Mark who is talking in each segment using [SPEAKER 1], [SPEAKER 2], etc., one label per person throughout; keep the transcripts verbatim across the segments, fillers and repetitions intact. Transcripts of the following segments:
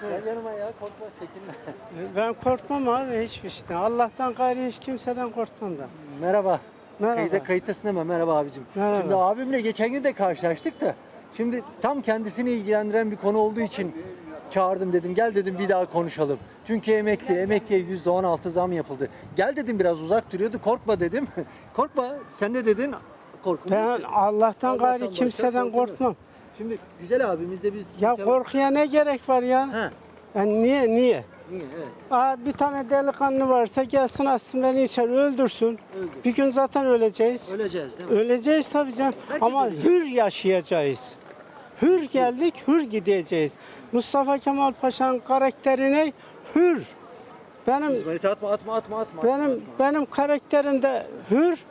[SPEAKER 1] Gel yanıma ya, korkma, çekinme.
[SPEAKER 2] Ben korkmam abi hiçbir şeyden. Allah'tan gayrı hiç kimseden korkmam da.
[SPEAKER 1] Merhaba.
[SPEAKER 2] Merhaba.
[SPEAKER 1] Kayıta, kayıttasın ama merhaba abicim.
[SPEAKER 2] Merhaba.
[SPEAKER 1] Şimdi abimle geçen gün de karşılaştık da. Şimdi tam kendisini ilgilendiren bir konu olduğu için çağırdım, dedim. Gel dedim, bir daha konuşalım. Çünkü emekli, emekliye yüzde on altı zam yapıldı. Gel dedim, biraz uzak duruyordu. Korkma dedim. Korkma. Sen ne dedin? Korkma.
[SPEAKER 2] Ben Allah'tan gayrı kimseden korkmam.
[SPEAKER 1] Şimdi güzel abimizle biz...
[SPEAKER 2] Ya korkuya ne gerek var ya?
[SPEAKER 1] He.
[SPEAKER 2] Yani niye niye?
[SPEAKER 1] Niye? Evet.
[SPEAKER 2] Aa, bir tane delikanlı varsa gelsin atsın beni içeri öldürsün.
[SPEAKER 1] Öldür.
[SPEAKER 2] Bir gün zaten öleceğiz.
[SPEAKER 1] Öleceğiz değil mi?
[SPEAKER 2] Öleceğiz tabii canım.
[SPEAKER 1] Herkes
[SPEAKER 2] Ama
[SPEAKER 1] ölecek.
[SPEAKER 2] hür yaşayacağız. Hür geldik, hür gideceğiz. Mustafa Kemal Paşa'nın karakterine hür. Benim
[SPEAKER 1] İzmarit atma, atma, atma, atma.
[SPEAKER 2] benim
[SPEAKER 1] atma.
[SPEAKER 2] benim karakterimde hür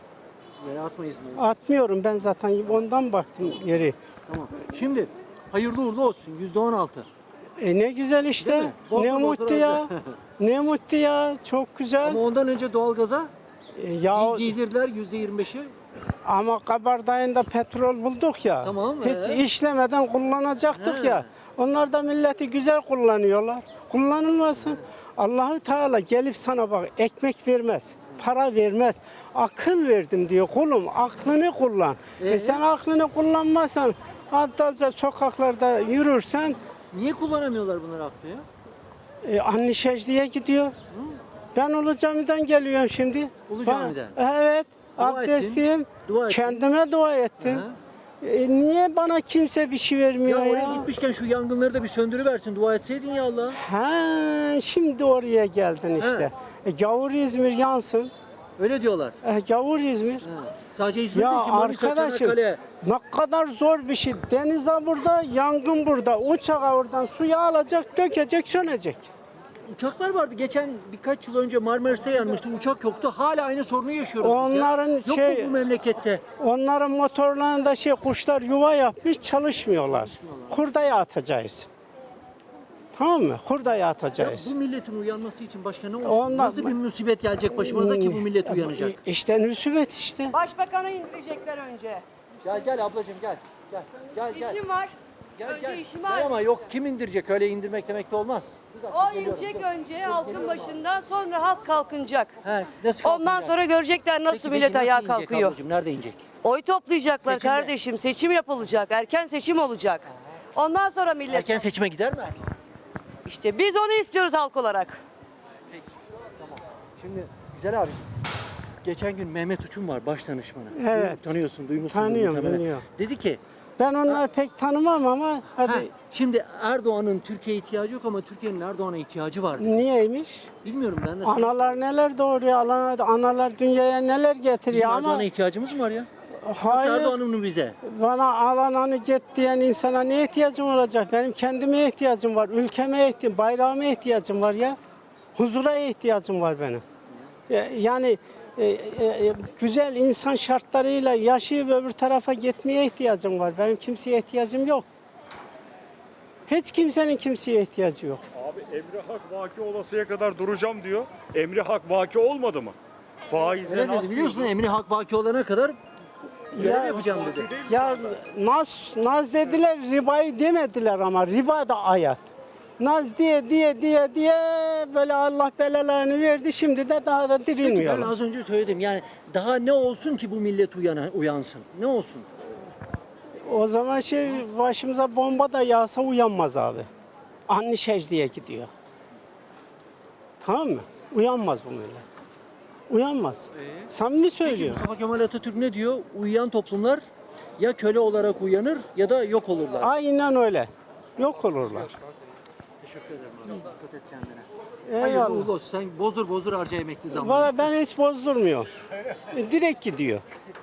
[SPEAKER 1] Yere atma İzmarit.
[SPEAKER 2] atmıyorum ben zaten ondan baktım yeri.
[SPEAKER 1] Tamam. Şimdi hayırlı uğurlu olsun. yüzde on altı.
[SPEAKER 2] E ne güzel
[SPEAKER 1] Değil
[SPEAKER 2] işte.
[SPEAKER 1] mi? Bol
[SPEAKER 2] Ne
[SPEAKER 1] bol
[SPEAKER 2] mutlu
[SPEAKER 1] bol
[SPEAKER 2] ya.
[SPEAKER 1] bol.
[SPEAKER 2] Ne mutlu ya. Çok güzel.
[SPEAKER 1] Ama ondan önce doğalgaza
[SPEAKER 2] E, ya
[SPEAKER 1] giy- giydirdiler yüzde yirmi beşi.
[SPEAKER 2] ama Kabardağ'ında petrol bulduk ya.
[SPEAKER 1] Tamam,
[SPEAKER 2] Hiç
[SPEAKER 1] ee?
[SPEAKER 2] işlemeden kullanacaktık
[SPEAKER 1] He.
[SPEAKER 2] ya. Onlar da milleti güzel kullanıyorlar. Kullanılmasın. Allahu Teala gelip sana bak ekmek vermez. Para vermez. Akıl verdim diyor. Kulum aklını kullan.
[SPEAKER 1] Ee?
[SPEAKER 2] E sen aklını kullanmazsan aptalca sokaklarda yürürsen
[SPEAKER 1] Niye kullanamıyorlar bunları aklı ya?
[SPEAKER 2] e, anne secdeye gidiyor. Ben Ulu Cami'den geliyorum şimdi.
[SPEAKER 1] Ulu
[SPEAKER 2] Ben-
[SPEAKER 1] Cami'den?
[SPEAKER 2] Evet.
[SPEAKER 1] Dua
[SPEAKER 2] Abdestliyim.
[SPEAKER 1] ettin, dua ettin.
[SPEAKER 2] Kendime dua ettim.
[SPEAKER 1] Hı.
[SPEAKER 2] E, niye bana kimse bir şey
[SPEAKER 1] Ya
[SPEAKER 2] vermiyor ya?
[SPEAKER 1] oraya gitmişken şu yangınları da bir söndürüversin. Dua etseydin ya Allah.
[SPEAKER 2] Ha, şimdi oraya geldin işte. E, gavur İzmir yansın.
[SPEAKER 1] Öyle diyorlar.
[SPEAKER 2] E, gavur İzmir.
[SPEAKER 1] Ha. Sadece İzmir
[SPEAKER 2] Ya
[SPEAKER 1] değil ki Manisa,
[SPEAKER 2] arkadaşım
[SPEAKER 1] Çanakkale.
[SPEAKER 2] ne kadar zor bir şey. Denize burada, yangın burada. Uçağa oradan suyu alacak, dökecek, sönecek.
[SPEAKER 1] Uçaklar vardı. Geçen birkaç yıl önce Marmaris'te yanmıştı. Uçak yoktu. Hala aynı sorunu yaşıyoruz biz ya.
[SPEAKER 2] Onların
[SPEAKER 1] Yok
[SPEAKER 2] şey-
[SPEAKER 1] mu bu memlekette?
[SPEAKER 2] Onların motorlarında şey kuşlar yuva yapmış çalışmıyorlar. Hurdaya atacağız. Tamam mı? Hurdaya
[SPEAKER 1] Ya
[SPEAKER 2] atacağız.
[SPEAKER 1] bu milletin uyanması için başka ne olsun?
[SPEAKER 2] Ondan-
[SPEAKER 1] Nasıl bir musibet gelecek başımıza ki bu millet uyanacak?
[SPEAKER 2] İşte nüsübet işte.
[SPEAKER 3] Başbakanı indirecekler önce.
[SPEAKER 1] Gel gel ablacığım gel. Gel gel gel.
[SPEAKER 3] İşim var.
[SPEAKER 1] Gel
[SPEAKER 3] önce
[SPEAKER 1] gel.
[SPEAKER 3] işim
[SPEAKER 1] Gel
[SPEAKER 3] var.
[SPEAKER 1] ama yok, kim indirecek, öyle indirmek demek de olmaz. Bir dakika,
[SPEAKER 3] O
[SPEAKER 1] geliyorum,
[SPEAKER 3] inecek
[SPEAKER 1] dur.
[SPEAKER 3] önce
[SPEAKER 1] Dur,
[SPEAKER 3] halkın
[SPEAKER 1] geliyorum
[SPEAKER 3] başından, sonra halk kalkınacak.
[SPEAKER 1] He, nasıl
[SPEAKER 3] Ondan
[SPEAKER 1] kalkacak?
[SPEAKER 3] sonra görecekler nasıl
[SPEAKER 1] Peki,
[SPEAKER 3] millet
[SPEAKER 1] peki
[SPEAKER 3] ayağa
[SPEAKER 1] nasıl inecek
[SPEAKER 3] kalkıyor.
[SPEAKER 1] ablacığım, nerede inecek?
[SPEAKER 3] Oy toplayacaklar
[SPEAKER 1] Seçimde.
[SPEAKER 3] kardeşim. Seçim yapılacak. Erken seçim olacak. Ondan sonra millet.
[SPEAKER 1] Erken seçime gider mi?
[SPEAKER 3] İşte biz onu istiyoruz halk olarak.
[SPEAKER 1] Peki, tamam. Şimdi güzel abi. Geçen gün Mehmet Uçum var, baş danışmanı.
[SPEAKER 2] Evet.
[SPEAKER 1] Tanıyorsun, duymuşsundur
[SPEAKER 2] Tanıyorum,
[SPEAKER 1] muhtemelen.
[SPEAKER 2] biliyorum.
[SPEAKER 1] Dedi ki,
[SPEAKER 2] Ben onları pek tanımam ama hadi
[SPEAKER 1] ha, şimdi Erdoğan'ın Türkiye'ye ihtiyacı yok ama Türkiye'nin Erdoğan'a ihtiyacı var dedi.
[SPEAKER 2] niyeymiş?
[SPEAKER 1] Bilmiyorum ben de.
[SPEAKER 2] Analar neler doğuruyor, analar, analar dünyaya neler
[SPEAKER 1] Bizim
[SPEAKER 2] getiriyor ama
[SPEAKER 1] Erdoğan'a ihtiyacımız mı var ya?
[SPEAKER 2] hayır.
[SPEAKER 1] Erdoğan'ın mı bize?
[SPEAKER 2] Bana alananı git diyen insana ne ihtiyacım olacak? Benim kendime ihtiyacım var, ülkeme ihtiyacım, bayrağıma ihtiyacım var ya. Huzura ihtiyacım var benim. E, Yani e, e, güzel insan şartlarıyla yaşayıp öbür tarafa gitmeye ihtiyacım var. Benim kimseye ihtiyacım yok. Hiç kimsenin kimseye ihtiyacı yok.
[SPEAKER 4] Abi emri hak vaki olasıya kadar duracağım diyor. Emri hak vaki olmadı mı? Faizle
[SPEAKER 1] Öyle dedi, biliyorsun, emri hak vaki olana kadar görev
[SPEAKER 2] Ya-
[SPEAKER 1] yapacağım dedi.
[SPEAKER 2] Ya naz, naz dediler, ribayı demediler ama riba da ayet. Naz diye diye diye diye böyle Allah belalarını verdi, şimdi de daha da
[SPEAKER 1] Peki ben
[SPEAKER 2] dirilmiyorlar.
[SPEAKER 1] az önce söyledim, yani daha ne olsun ki bu millet uyana, uyansın? Ne olsun?
[SPEAKER 2] O zaman şey başımıza bomba da yağsa uyanmaz abi. Anne secdeye gidiyor. Tamam mı? Uyanmaz bu millet. Uyanmaz. Samimi
[SPEAKER 1] Peki
[SPEAKER 2] söylüyorum.
[SPEAKER 1] Mustafa Kemal Atatürk ne diyor? Uyuyan toplumlar ya köle olarak uyanır ya da yok olurlar.
[SPEAKER 2] Aynen öyle. Yok olurlar.
[SPEAKER 1] Teşekkür ederim. Dikkat et kendine. Hayırlı
[SPEAKER 2] Eyvallah.
[SPEAKER 1] uğurlu olsun. Sen bozdur bozdur harca emekli zammını.
[SPEAKER 2] Valla ben hiç bozdurmuyorum. E, Direkt gidiyor.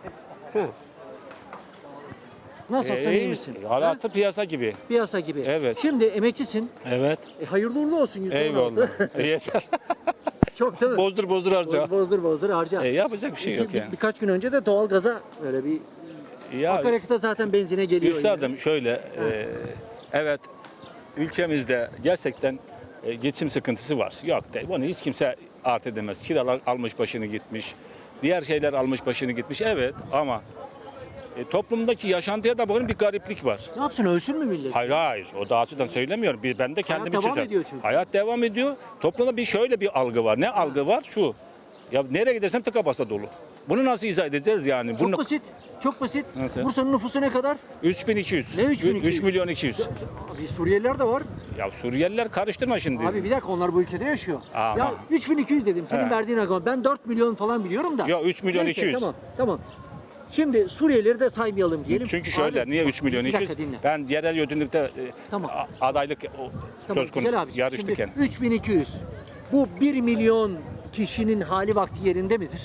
[SPEAKER 1] Nasıl, sen iyi misin? Ha?
[SPEAKER 5] Hayatı piyasa gibi.
[SPEAKER 1] Piyasa gibi.
[SPEAKER 5] Evet.
[SPEAKER 1] Şimdi emeklisin.
[SPEAKER 5] Evet.
[SPEAKER 1] E, hayırlı uğurlu olsun yüzde on
[SPEAKER 5] Eyvallah.
[SPEAKER 1] altı.
[SPEAKER 5] Yeter.
[SPEAKER 1] Çok değil mi?
[SPEAKER 5] Bozdur bozdur harca.
[SPEAKER 1] Boz- Bozdur bozdur harca.
[SPEAKER 5] E, yapacak bir şey
[SPEAKER 1] İki-
[SPEAKER 5] yok
[SPEAKER 1] bir-
[SPEAKER 5] yani.
[SPEAKER 1] Birkaç gün önce de doğalgaza böyle bir
[SPEAKER 5] Ya
[SPEAKER 1] akaryakıta zaten benzine geliyor.
[SPEAKER 5] üstadım
[SPEAKER 1] yine.
[SPEAKER 5] şöyle e, evet ülkemizde gerçekten e, geçim sıkıntısı var. Yok değil. Bunu hiç kimse art edemez. Kiralar almış başını gitmiş. Diğer şeyler almış başını gitmiş. Evet ama e, toplumdaki yaşantıya da bakın bir gariplik var.
[SPEAKER 1] Ne yapsın, ölsün mü millet?
[SPEAKER 5] Hayır hayır o da açıdan söylemiyorum. Bir, ben de kendim için
[SPEAKER 1] devam
[SPEAKER 5] söylüyorum.
[SPEAKER 1] ediyor çünkü.
[SPEAKER 5] Hayat devam ediyor. Toplumda bir şöyle bir algı var. Ne algı var? Şu. Ya nereye gidersem tıka basa dolu. Bunu nasıl izah edeceğiz yani?
[SPEAKER 1] Çok
[SPEAKER 5] Bunu
[SPEAKER 1] basit. Çok basit.
[SPEAKER 5] Nasıl?
[SPEAKER 1] Bursa'nın nüfusu ne kadar?
[SPEAKER 5] üç bin iki yüz.
[SPEAKER 1] Ne üç bin iki yüz?
[SPEAKER 5] üç milyon iki yüz.
[SPEAKER 1] Abi Suriyeliler de var.
[SPEAKER 5] Ya Suriyeliler karıştırma şimdi.
[SPEAKER 1] Abi bir dakika, onlar bu ülkede yaşıyor.
[SPEAKER 5] Ama.
[SPEAKER 1] Ya üç bin iki yüz dedim. Senin
[SPEAKER 5] He.
[SPEAKER 1] verdiğin rakam. Ben dört milyon falan biliyorum da.
[SPEAKER 5] Ya üç milyon
[SPEAKER 1] Neyse,
[SPEAKER 5] iki yüz.
[SPEAKER 1] Tamam tamam. Şimdi Suriyelileri de saymayalım diyelim.
[SPEAKER 5] Çünkü şöyle
[SPEAKER 1] Abi,
[SPEAKER 5] niye
[SPEAKER 1] bak,
[SPEAKER 5] üç milyon
[SPEAKER 1] bir
[SPEAKER 5] iki yüz?
[SPEAKER 1] dakika dinle.
[SPEAKER 5] Ben yerel yönetimlikte e,
[SPEAKER 1] Tamam.
[SPEAKER 5] a- adaylık o,
[SPEAKER 1] Tamam,
[SPEAKER 5] söz konusu
[SPEAKER 1] güzel abi.
[SPEAKER 5] yarıştık
[SPEAKER 1] Şimdi
[SPEAKER 5] yani.
[SPEAKER 1] üç bin iki yüz. Bu bir milyon kişinin hali vakti yerinde midir?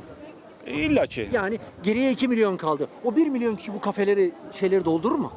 [SPEAKER 5] E, İlla ki.
[SPEAKER 1] Yani geriye iki milyon kaldı. O bir milyon kişi bu kafeleri, şeyleri doldurur mu?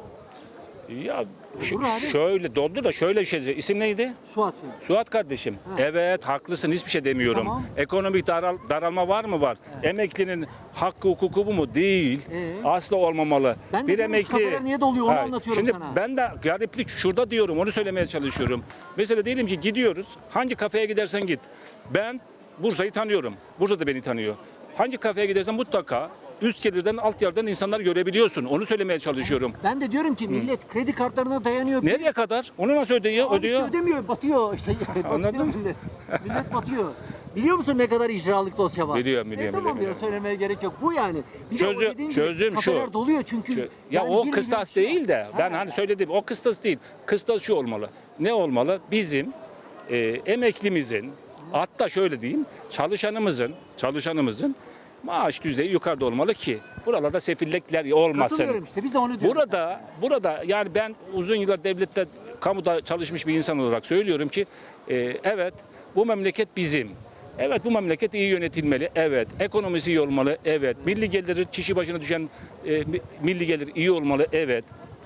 [SPEAKER 5] Ya ş-
[SPEAKER 1] Olur abi.
[SPEAKER 5] şöyle doldu da şöyle bir şey. İsim neydi?
[SPEAKER 1] Suat Bey.
[SPEAKER 5] Suat kardeşim.
[SPEAKER 1] Ha.
[SPEAKER 5] Evet haklısın hiçbir şey demiyorum.
[SPEAKER 1] Tamam.
[SPEAKER 5] Ekonomik daral, daralma var mı? Var. Emeklinin hakkı hukuku bu mu? Değil.
[SPEAKER 1] Ee?
[SPEAKER 5] Asla olmamalı.
[SPEAKER 1] Ben de diyorum ki kafeler niye doluyor, onu anlatıyorum
[SPEAKER 5] Şimdi
[SPEAKER 1] sana.
[SPEAKER 5] ben de gariplik şurada diyorum onu söylemeye çalışıyorum. Mesela diyelim ki gidiyoruz. Hangi kafeye gidersen git. Ben Bursa'yı tanıyorum. Bursa da beni tanıyor. Hangi kafeye gidersen mutlaka üst gelirden alt yerden insanlar görebiliyorsun. Onu söylemeye çalışıyorum.
[SPEAKER 1] Ben de diyorum ki millet kredi kartlarına dayanıyor.
[SPEAKER 5] Nereye kadar? Onu nasıl ödüyor?
[SPEAKER 1] Abi
[SPEAKER 5] ödüyor.
[SPEAKER 1] işte ödemiyor, batıyor. İşte batıyor
[SPEAKER 5] Anladın mı?
[SPEAKER 1] millet. Millet batıyor. Biliyor musun ne kadar icralık dosya var?
[SPEAKER 5] Biliyorum, biliyorum,
[SPEAKER 1] E, tamam
[SPEAKER 5] biliyorum,
[SPEAKER 1] ya,
[SPEAKER 5] biliyorum.
[SPEAKER 1] söylemeye gerek yok. Bu yani. Bir de o
[SPEAKER 5] Çözüm-
[SPEAKER 1] dediğin gibi
[SPEAKER 5] çözüm şu.
[SPEAKER 1] kafeler doluyor çünkü.
[SPEAKER 5] Şu- Ya
[SPEAKER 1] yani
[SPEAKER 5] o
[SPEAKER 1] bir
[SPEAKER 5] kıstas
[SPEAKER 1] milyon kişi
[SPEAKER 5] değil de
[SPEAKER 1] var.
[SPEAKER 5] ben
[SPEAKER 1] Ha.
[SPEAKER 5] hani söylediğim o kıstas değil. Kıstas şu olmalı. Ne olmalı? Bizim e, emeklimizin hatta şöyle diyeyim çalışanımızın çalışanımızın maaş düzeyi yukarıda olmalı ki buralarda sefillikler olmasın.
[SPEAKER 1] Katılıyorum işte, biz de onu diyoruz.
[SPEAKER 5] Burada burada yani ben uzun yıllar devlette kamuda çalışmış bir insan olarak söylüyorum ki e, evet bu memleket bizim. Evet bu memleket iyi yönetilmeli. Evet ekonomisi iyi olmalı. Evet milli geliri kişi başına düşen e, mi- milli gelir iyi olmalı. Evet.